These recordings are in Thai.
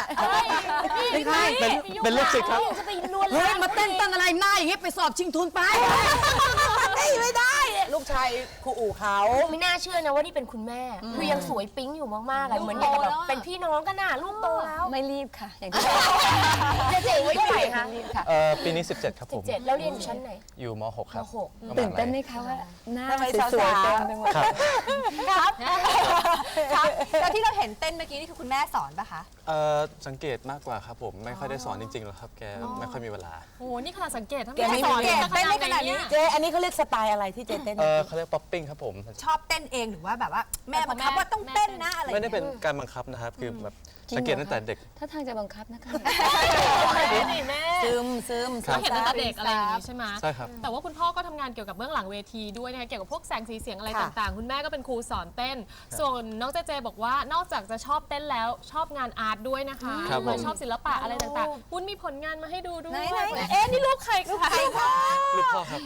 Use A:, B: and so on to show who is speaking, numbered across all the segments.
A: เป็นใคร
B: เป็นลูกศิษย์ครับ
C: จะไปลวนลาม
A: เฮ้ยมาเต้นตั้งอะไรหน้าอย่างงี้ไปสอบชิงทุนไปไม่ได้ลูกชายครูอู่เขา
C: ไม่น่าเชื่อนะว่านี่เป็นคุณแม่คือยังสวยปิ๊งอยู่มากๆอะเหมือนอย่างกับแบบเป็นพี่น้องกันน่ะลูกโตแล้ว
D: ไม่รีบค่ะ อย่างที่
C: เจ๊ไว้เท่าไหร่คะ
D: รีบค่ะ
B: ปีนี้17ครับผม
C: 17แล้วเรียนอยู่ชั้นไหน
B: อยู่ม .6 ครับ
C: ม
D: ตื่นเต้นไหมคะว่าหน้า
A: ทำไม
D: สวยๆ
A: สาวๆ
D: เต็มไปหมด
B: ครับ
E: ครับแล้วที่เราเห็นเต้นเมื่อกี้นี่คือคุณแม่สอนปะคะ
B: สังเกตมากกว่าครับผมไม่ค่อยได้สอนจริงๆหรอกครับแกไม่ค่อยมีเวลา
F: โอ้โหนี่ขนาดสังเกตถ้า
A: แกไม่
F: สอน
A: มี
E: เต้นได้ขนาดนี้
A: เจอันนี้เขาเรียกสไตล์อะไรที่เจเต้น
B: เขาเรียกป๊อปปิ้งครับผม
E: ชอบเต้นเองหรือว่าแบบว่าแม่บังคับว่าต้องเต้นนะอะไร
B: ไม่ได้เป็นการบังคับนะครับคือแบบสังเกตตั้งแต่เด็ก
D: ถ้าทางจะบังคับนะคะ
F: นี่แม่
A: ซึม
B: ครับ
F: เราเห็นตั้งแต่เด็กอะไรอย่างนี้ใช่ไหม
B: ใช่ครับ
F: แต่ว่าคุณพ่อก็ทำงานเกี่ยวกับเบื้องหลังเวทีด้วยนะคะเกี่ยวกับพวกแสงสีเสียงอะไร
A: ค่ะ
F: ต่างๆ คุณแม่ก็เป็นครูสอนเต้น ส่วนน้องเจเจบอกว่านอกจากจะชอบเต้นแล้วชอบงานอาร์ตด้วยนะคะ
B: ครับผม
F: เหมือนชอบศิลปะอะไรต่างๆวุ้นมีผลงานมาให้ดูด้วย
E: ไหน
F: เอ๊ะนี่ลูกใครคะ
B: ลูกพ่อครับ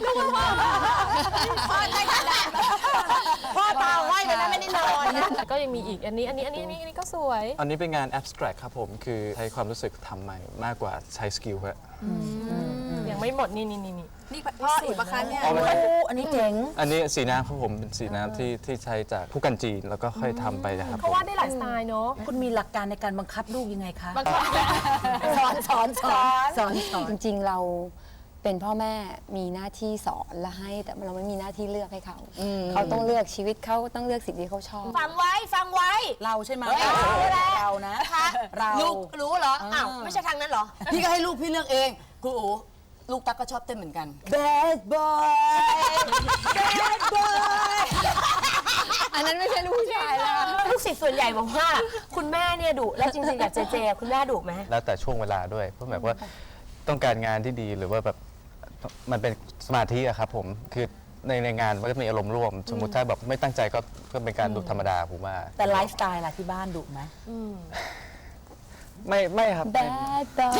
A: พ่อตาไหวเลยนะไม่ได้นอนนะ
F: ก็ยังมีอีกอันนี้ก็สวย
B: อันนี้เป็นงาน abstract ครับผมคือใช้ความรู้สึกทำใหม่มากกว่าใช้สกิลครับ
F: ยังไม่หมดนี่
E: นี่พ่ออีกปะคะเนี่ย
B: เอาไหม
A: อันนี้เจ๋ง
B: อันนี้สีน้ำครับผมเป็นสีน้ำที่ใช้จากผู้กันจีนแล้วก็ค่อยทำไปนะครับ
F: เขาวาดได้หลายสไตล์เนาะ
A: คุณมีหลักการในการบังคับลูกยังไงคะ
F: บางคน
A: สอน
D: จริงๆเราเป็นพ่อแม่มีหน้าที่สอนและให้ แต่เราไม่มีหน้าที่เลือกให้เขา เขาต้องเลือกชีวิตเขาต้องเลือกสิ่งที่เขาชอบ
C: ฟังไว้
A: เราใช่ไหม
C: เฮ้ย
A: เรานะเรา
C: ลูกรู้เหรออ้าวไม่ใช่ทางนั้นเหรอ
A: พี่ก็ให้ลูกพี่เลือกเองครูอู๋ลูกตั๊กก็ชอบเต้นเหมือนกัน Bad boy Bad boy
D: อันนั้นไม่ใช่ลูกผู้ชายแล้ว
C: ลูกศิษย์ส่วนใหญ่บอกว่าคุณแม่เนี่ยดุแล้วจริงๆกับเจเจคุณแม่ดุไหม
B: แล้วแต่ช่วงเวลาด้วยเพราะแบบว่าต้องการงานที่ดีหรือว่าแบบมันเป็นสมาธิอะครับผมคือในงานมันก็มีอารมณ์ร่วม สมมุติถ้าแบบไม่ตั้งใจก็เป็นการดุธรรมดาผมว่า
A: แต่ไลฟ์สไตล์ล่ะที่บ้านดุไหม
B: ไม่ครับ
D: Bad boy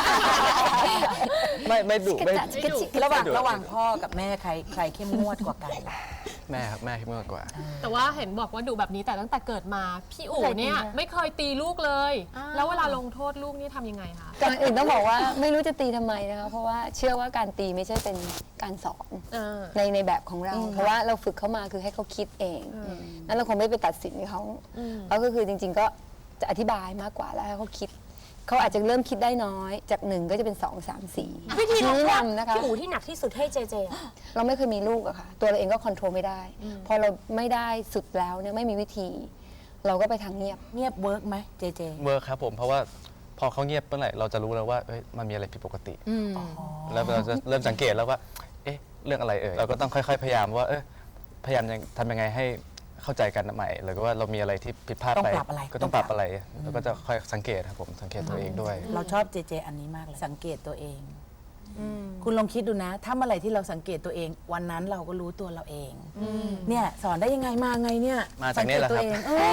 B: ไม่ดุไม่
A: ระหว่างพ่อกับแม่ใครเข้มงวดกว่ากัน
B: แม่ครับแม่เข้มงวดกว่า
F: แต่ว่าเห็นบอกว่าดุแบบนี้แต่ตั้งแต่เกิดมาพี่อู๋เนี่ยไม่เคยตีลูกเลย แล้วเวลาลงโทษลูกนี่ทำยังไงคะ
D: ก่อนอื่นต้องบอกว่าไม่รู้จะตีทำไมนะคะเพราะว่าเชื่อว่าการตีไม่ใช่เป็นการสอน ในแบบของเรา เพราะว่าเราฝึกเขามาคือให้เขาคิดเองนั้นเราคงไม่ไปตัดสินเขาก็คือจริงๆก็จะอธิบายมากกว่าแล้วให้เขาคิดเขาอาจจะเริ่มคิดได้น้อยจาก1ก็จะเป็น2 3 4
C: วิธีลง
D: ชี้
C: โทษ
D: นำนะคะ
C: พี่อู๋ที่หนักที่สุดให้เจเจอะ
D: เราไม่เคยมีลูกอะค่ะตัวเราเองก็คอนโทรลไม่ได้พอเราไม่ได้สุดแล้วเนี่ยไม่มีวิธี เราก็ไปทางเงียบ
A: เงียบเวิร์กไหมเจเจ
B: เวิร์คครับผมเพราะว่าพอเขาเงียบเมื่อไหร่เราจะรู้แล้วว่าเอ้ยมันมีอะไรผิดปกติแล้วเราจะเริ่มสังเกตแล้วว่าเอ๊ะเรื่องอะไรเราก็ต้องค่อยๆพยายามว่าพยายามทำยังไงให้เข้าใจกันใหม่หรือว่าเรามีอะไรที่ผิดพลาด
A: ต้อง
B: ไป
A: ปรับอะไร
B: ก็ต้องปรับอะไรแล้วก็จะค่อยสังเกตครับผมสังเกตตัวเองด้วย
A: เราชอบเจเจอันนี้มากเลยสังเกตตัวเองคุณลองคิดดูนะ ถ้าเมื่อไหร่ที่เราสังเกตตัวเอง วันนั้นเราก็รู้ตัวเราเองเนี่ยสอนได้ยังไงมาไงเนี่ย
B: มาจากนี้แหละครับ
A: สังเกตตัวเอง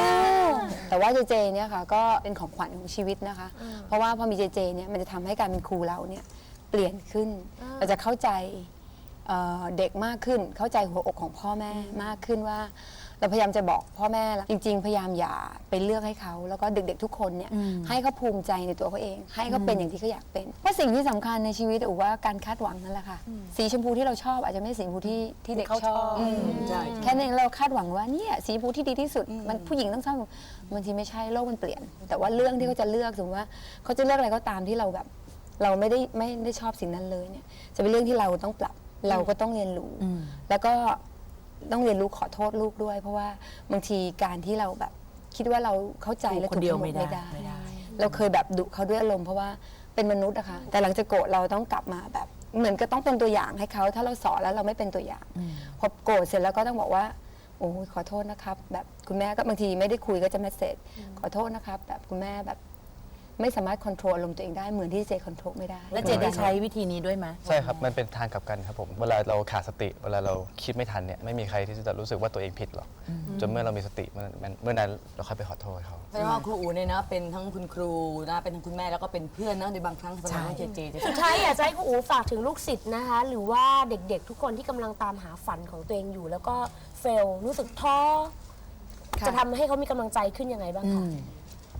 D: แต่ว่าเจเจเนี่ยค่ะก็เป็นของขวัญของชีวิตนะคะ เพราะว่าพอมีเจเจเนี่ยมันจะทำให้การเป็นครูเราเนี่ยเปลี่ยนขึ้น เราจะเข้าใจเด็กมากขึ้น เข้าใจหัวอกของพ่อแม่มากขึ้นว่า เราพยายามจะบอกพ่อแม่จริงๆ พยายามอย่าไปเลือกให้เขาแล้วก็เด็กๆทุกคนเนี่ยให้เขาภูมิใจในตัวเขาเอง ให้เขาเป็นอย่างที่เขาอยากเป็นเพราะสิ่งที่สำคัญในชีวิตอู๋ว่าการคาดหวังนั่นแหละค่ะสีชมพูที่เราชอบอาจจะไม่ใช่สีชมพูที่เด็กชอบ
A: ใช่
D: แค่นั้นเราคาดหวังว่าเนี่ยสีชมพูที่ดีที่สุดมันผู้หญิงต้องชอบบางทีไม่ใช่โลกมันเปลี่ยน แต่ว่าเรื่องที่เขาจะเลือกสมมติว่าเขาจะเลือกอะไรก็ตามที่เราแบบ เราไม่ได้ชอบสิ่งนั้นเลยเนี่ยจะเป็นเรื่องที่เราต้องปรับเราก็ต้องเรียนรู้แล้วก็ต้องเรียนรู้ขอโทษลูกด้วย เพราะว่าบางทีการที่เราแบบคิดว่าเราเข้าใจและ
A: คนเดียว
D: ถูก
A: ไม่
D: ทั้งห
A: ได้
D: เราเคยแบบดุเขาด้วยอารมณ์เพราะว่าเป็นมนุษย์อะค่ะแต่หลังจากโกรธเราต้องกลับมาแบบเหมือนก็ต้องเป็นตัวอย่างให้เขาถ้าเราสอนแล้วเราไม่เป็นตัวอย่างพอโกรธเสร็จแล้วก็ต้องบอกว่าโอ้ยขอโทษนะครับแบบคุณแม่ก็บางทีไม่ได้คุยก็จะเมสเซจขอโทษนะครับแบบคุณแม่แบบไม่สามารถควบคุมอารมณ์ตัวเองได้เหมือนที่เจควบคุมไม่ได้
A: แล้วเจได้ใช้วิธีนี้ด้วยไหม
B: ใช่ครับมันเป็นทางกลับกันครับผมเวลาเราขาดสติเวลาเราคิดไม่ทันเนี่ยไม่มีใครที่จะรู้สึกว่าตัวเองผิดหรอกจนเมื่อเรามีสติเมื่อนั้นเราค่อยไปขอโทษเขา
G: แสดงว่าครูอูเนี่ยนะเป็นทั้งคุณครูนะเป็นทั้งคุณแม่แล้วก็เป็นเพื่อนนะในบางครั้งสำหรับน้องเจเจ
C: สุดท้ายอยากจะให้คุณอู๋ฝากถึงลูกศิษย์นะคะ หรือว่าเด็กๆ ทุกคนที่กำลังตามหาฝันของตัวเองอยู่ แล้วก็เฟลรู้สึกท้อจะทำให้เขามีกำลังใจขึ้นยังไงบ้างคะ
D: จ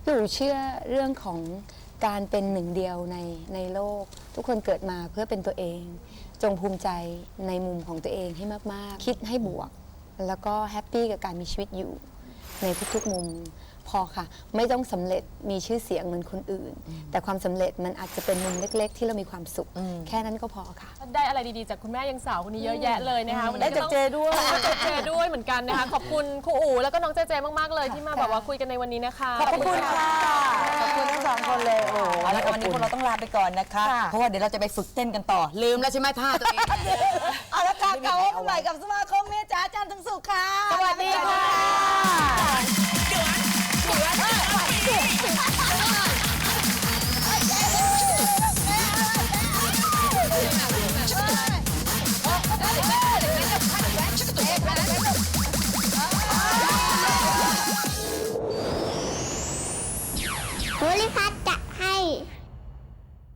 D: พี่อู๋เชื่อเรื่องของการเป็นหนึ่งเดียวในโลก ทุกคนเกิดมาเพื่อเป็นตัวเอง จงภูมิใจในมุมของตัวเองให้มากๆ คิดให้บวก แล้วก็แฮปปี้กับการมีชีวิตอยู่ในทุกๆมุมพอค่ะ ไม่ต้องสำเร็จมีชื่อเสียงเหมือนคนอื่น แต่ความสำเร็จมันอาจจะเป็นมุมเล็ก ๆ ที่เรามีความสุข แค่นั้นก็พอค่ะ
F: ได้อะไรดีๆจากคุณแม่ยังสาวคนนี้เยอะแยะเลยนะคะวัน
A: ได้
F: นี้
A: จากเจด้วย
F: ได้จากเจด้วยเหมือนกันนะคะขอบคุณครูอู๋แล้วก็น้องเจเจมากๆเลยที่มาแบบว่าคุยกันในวันนี้นะคะ
A: ขอบคุณค่ะ ขอบคุณทั้งสองคนเลย โอ้โห
G: เอาละวันนี้พวกเราต้องลาไปก่อนนะคะ เพราะว่าเดี๋ยวเราจะไปฝึกเต้นกันต่อ ลืมแล้วใช่ไหมท่าตัวเอง เอาละค่ะเก่าใหม่กับสมาคมเมียจ๋าจันทร์ถึงสุขค่ะ
A: สวัสดีค่ะ